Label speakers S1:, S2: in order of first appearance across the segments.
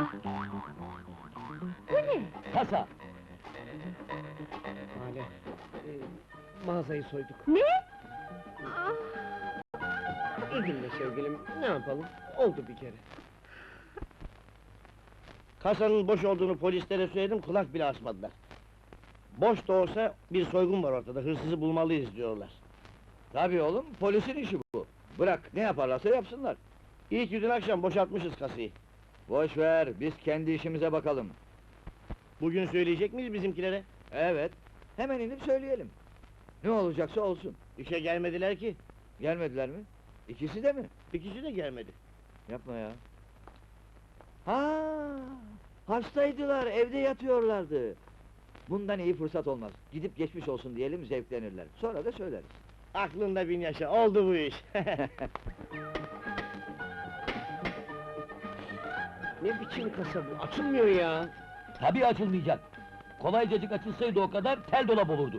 S1: Bu ne?
S2: Kasa!
S3: Hale, mağazayı soyduk.
S1: Ne? Ah,
S3: Üzülme sevgilim, ne yapalım? Oldu bir kere.
S2: Kasanın boş olduğunu polislere söyledim, kulak bile asmadılar. Boş da olsa bir soygun var ortada, hırsızı bulmalıyız diyorlar.
S4: Tabii oğlum, polisin işi bu. Bırak, ne yaparlarsa yapsınlar.
S2: İyi ki dün akşam boşaltmışız kasayı.
S4: Boş ver, biz kendi işimize bakalım.
S2: Bugün söyleyecek miyiz bizimkilere?
S4: Evet, hemen inip söyleyelim. Ne olacaksa olsun.
S2: İşe gelmediler ki,
S4: Gelmediler mi? İkisi de mi?
S2: ikisi de gelmedi.
S4: Yapma ya. Ha, hastaydılar, evde yatıyorlardı. Bundan iyi fırsat olmaz. Gidip geçmiş olsun diyelim, zevklenirler. Sonra da söyleriz.
S2: Aklında bin yaşa, oldu bu iş.
S3: Ne biçim kasa bu? Açılmıyor ya!
S2: Tabii açılmayacak. Kolaycacık açılsaydı o kadar, tel dolap olurdu.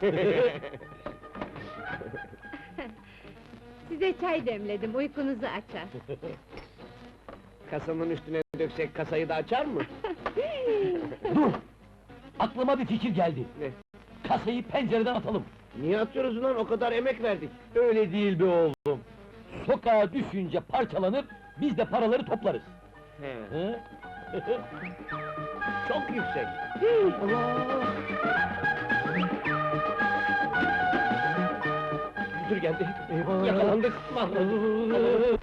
S1: size çay demledim, uykunuzu açar.
S3: Kasanın üstüne döksek kasayı da açar mı?
S2: Dur! Aklıma bir fikir geldi.
S3: Ne?
S2: Kasayı pencereden atalım.
S3: Niye atıyoruz ulan? O kadar emek verdik.
S2: Öyle değil be oğlum. Sokağa düşünce parçalanır, biz de paraları toplarız.
S3: He.
S2: Hı?
S3: Çok yüksek.
S2: Allah!
S3: Müdür geldi.
S2: Eyvah!
S3: Yakalandık. Mahvolduk.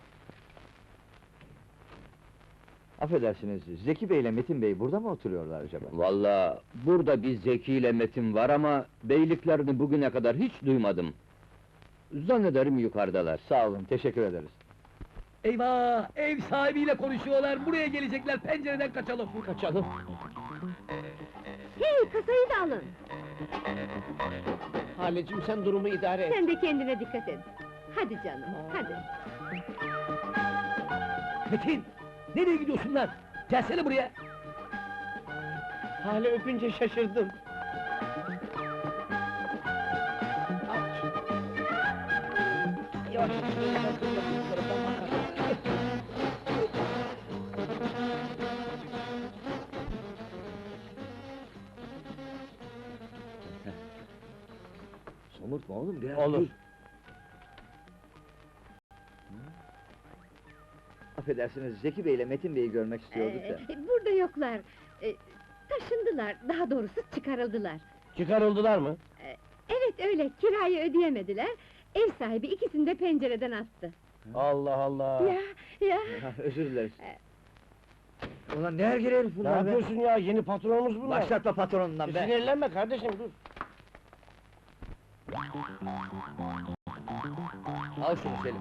S4: Affedersiniz, Zeki Bey ile Metin Bey burada mı oturuyorlar acaba?
S5: Vallahi burada bir Zeki ile Metin var ama beyliklerini bugüne kadar hiç duymadım. Zannederim yukarıdalar.
S4: Sağ olun, teşekkür ederiz.
S2: Eyvah! Ev sahibiyle konuşuyorlar, buraya gelecekler, pencereden kaçalım!
S3: Kaçalım.
S1: Hey, kasayı da alın!
S3: Halecim sen durumu idare et.
S1: Sen de kendine dikkat et. Hadi canım, hadi.
S2: Metin! Nereye gidiyorsun lan? Gelsene buraya!
S3: Hale öpünce şaşırdım. Yavaş.
S4: Somurtma oğlum, biraz
S2: Olur.
S4: dur. Affedersiniz, Zeki Bey ile Metin Bey'i görmek istiyorduk da.
S1: Burada yoklar. Taşındılar, daha doğrusu çıkarıldılar.
S2: Çıkarıldılar mı?
S1: Evet öyle, kirayı ödeyemediler. Ev sahibi ikisini de pencereden attı.
S2: Allah Allah!
S1: Ya,
S4: Özür dileriz. Ulan ne ergele herif
S2: Ne
S4: bunlar be?
S2: yapıyorsun ya? Yeni patronumuz bunlar!
S4: Başlatma patronundan be!
S2: Sinirlenme kardeşim, dur!
S4: Al şunu Selim.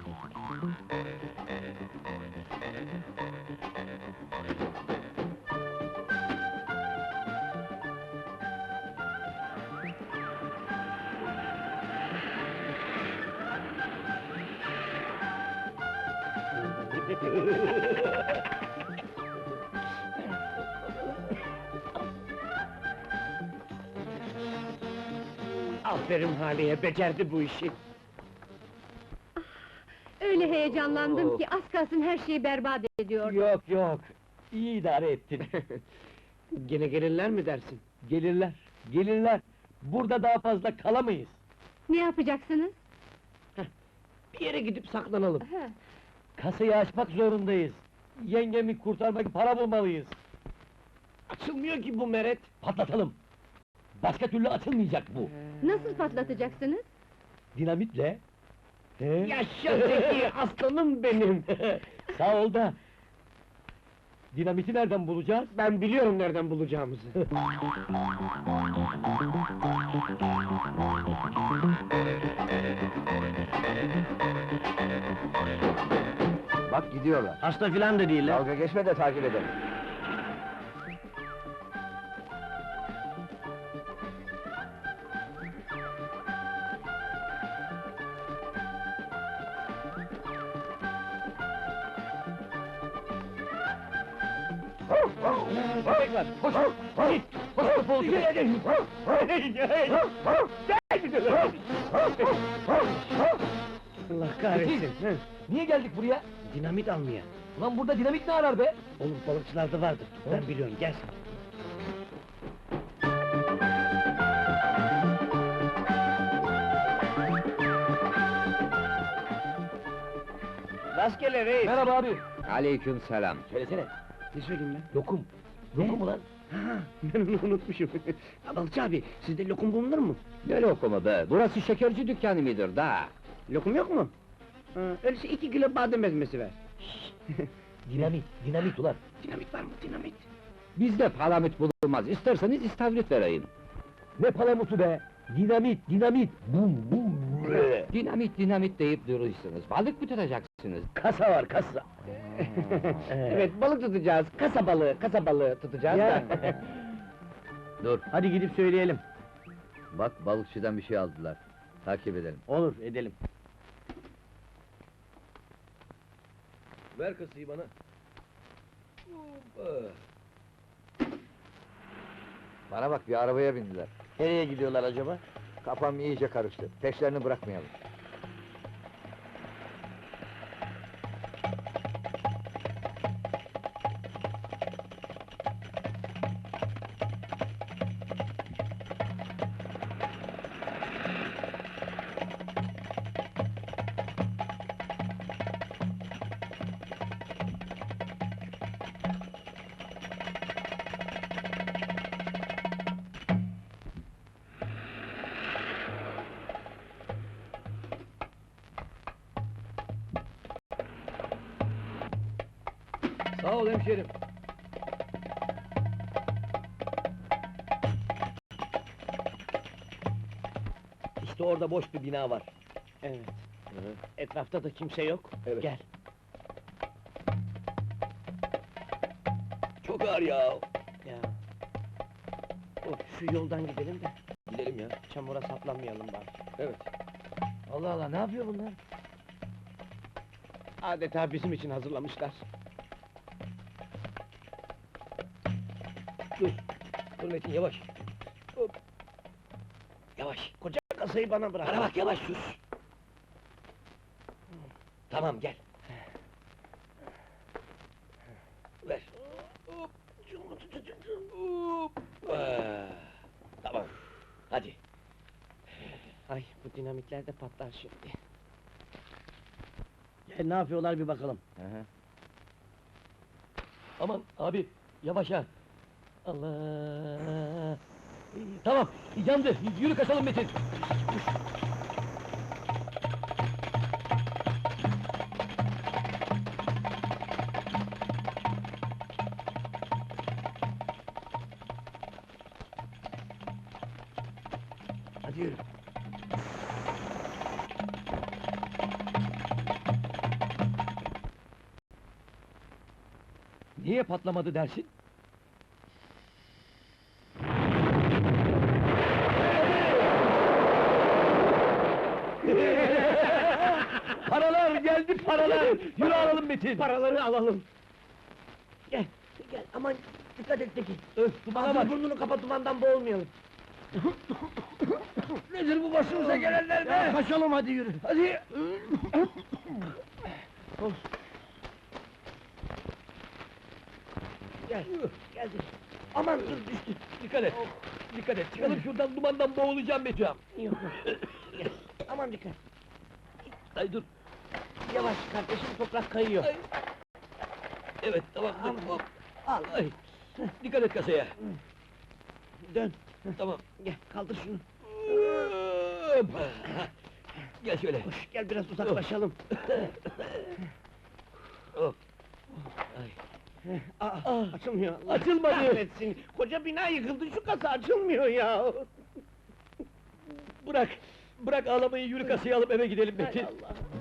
S3: Aferin Hale'ye, becerdi bu işi.
S1: öyle heyecanlandım ki az kalsın her şeyi berbat ediyordum.
S2: Yok yok! İyi idare ettin!
S3: Gene gelirler mi dersin?
S2: Gelirler, gelirler! Burada daha fazla kalamayız!
S1: Ne yapacaksınız?
S3: Bir yere gidip saklanalım.
S1: Ha,
S2: Kasayı açmak zorundayız! Yengemi kurtarmak için para bulmalıyız!
S3: Açılmıyor ki bu meret.
S2: Patlatalım! Başka türlü açılmayacak bu!
S1: nasıl patlatacaksınız?
S2: Dinamitle! He?
S3: Yaşa Zeki, aslanım benim!
S2: Sağ ol da! Dinamiti nereden bulacağız?
S3: Ben biliyorum nereden bulacağımızı.
S4: Bak gidiyorlar.
S2: Hasta filan da değiller!
S4: Dalga geçme de takip edelim.
S2: Köpek var! Koş! Git! Koş kapalı köpek!
S3: Allah kahretsin!
S2: Niye geldik buraya?
S3: Dinamit almaya.
S5: Ulan burada dinamit ne arar be?
S2: Olur, balıkçılarda vardır. Ben biliyorum, gel sen. Rastgele reis.
S5: Merhaba abi. Aleyküm selam.
S2: Söylesene. Ne söyleyeyim ben?
S5: Lokum.
S2: Lokum mu lan? Ha, ben onu unutmuşum. Ya Balıkçı abi, sizde lokum bulunur mu?
S5: Ne lokumu be? Burası şekerci dükkanı mıdır da?
S2: Lokum yok mu? Ha, öyleyse 2 kilo badem ezmesi ver.
S5: Dinamit ulan.
S2: Dinamit var mı, dinamit?
S5: Bizde palamut bulunmaz. İsterseniz istavrit vereyim.
S3: Ne palamutu be? Dinamit! Bum!
S5: Dinamit deyip duruyorsunuz. Balık mı tutacaksınız?
S2: Kasa var, kasa.
S3: Evet, balık tutacağız. Kasa balığı tutacağız
S2: Ya.
S3: da.
S5: Dur.
S2: Hadi gidip söyleyelim.
S5: Bak balıkçıdan bir şey aldılar. Takip edelim.
S2: Olur, edelim.
S5: Ver kasayı bana.
S4: Bana bak, bir arabaya bindiler.
S2: Nereye gidiyorlar acaba?
S4: Kafam iyice karıştı. Peşlerini bırakmayalım.
S5: Sağ ol hemşerim.
S2: İşte orada boş bir bina var. Evet. Etrafta da kimse yok.
S5: Evet.
S2: Gel.
S5: Çok ağır ya.
S2: Ya. Şu yoldan gidelim de
S5: Gidelim ya.
S2: çamura saplanmayalım bari.
S5: Evet.
S4: Allah Allah, ne yapıyor bunlar?
S2: Adeta bizim için hazırlamışlar.
S5: Dur Metin yavaş.
S2: Yavaş, koca kasayı bana bırak.
S5: Bana bak yavaş sus. Tamam gel. Ver. Tamam. Hadi.
S2: Ay, bu dinamitler de patlar şimdi. Gel, ne yapıyorlar bir bakalım.
S5: Aman abi yavaş ha. Allah. Tamam yandı. Yürü kaçalım Metin. Hadi yürü. Niye patlamadı dersin? Paralar geldi paralar! Yürü alalım Metin!
S2: Paraları alalım. Gel, gel, aman dikkat et Tekin.
S5: Öf, dumana
S2: Ağzını
S5: bak!
S2: burnunu kapa, dumandan boğulmayalım.
S5: Nedir bu başımıza gelenler
S2: Ya, kaçalım hadi yürü.
S5: Hadi!
S2: Gel, geldik. Aman dur, düştü.
S5: Dikkat et! Dikkat et! Çıkalım şuradan, dumandan boğulacağım Metin!
S2: Yok, yok. Gel, aman dikkat.
S5: Ay dur!
S2: Yavaş kardeşim, toprak kayıyor.
S5: Ay. Evet, tamam, dur!
S2: Aman.
S5: Hop!
S2: Al,
S5: Ay! Dikkat et kasaya!
S2: dön.
S5: Tamam!
S2: Gel, kaldır şunu.
S5: Hoppa! Gel şöyle!
S2: Koş, gel biraz uzaklaşalım.
S5: Hop! Ay!
S2: Aa, açılmıyor. Allah
S5: Açılmadı.
S2: kahretsin. Koca bina yıkıldı, şu kasa açılmıyor ya.
S5: Bırak! Bırak ağlamayı, yürü kasayı alıp eve gidelim
S2: Hay
S5: Metin!
S2: Allah.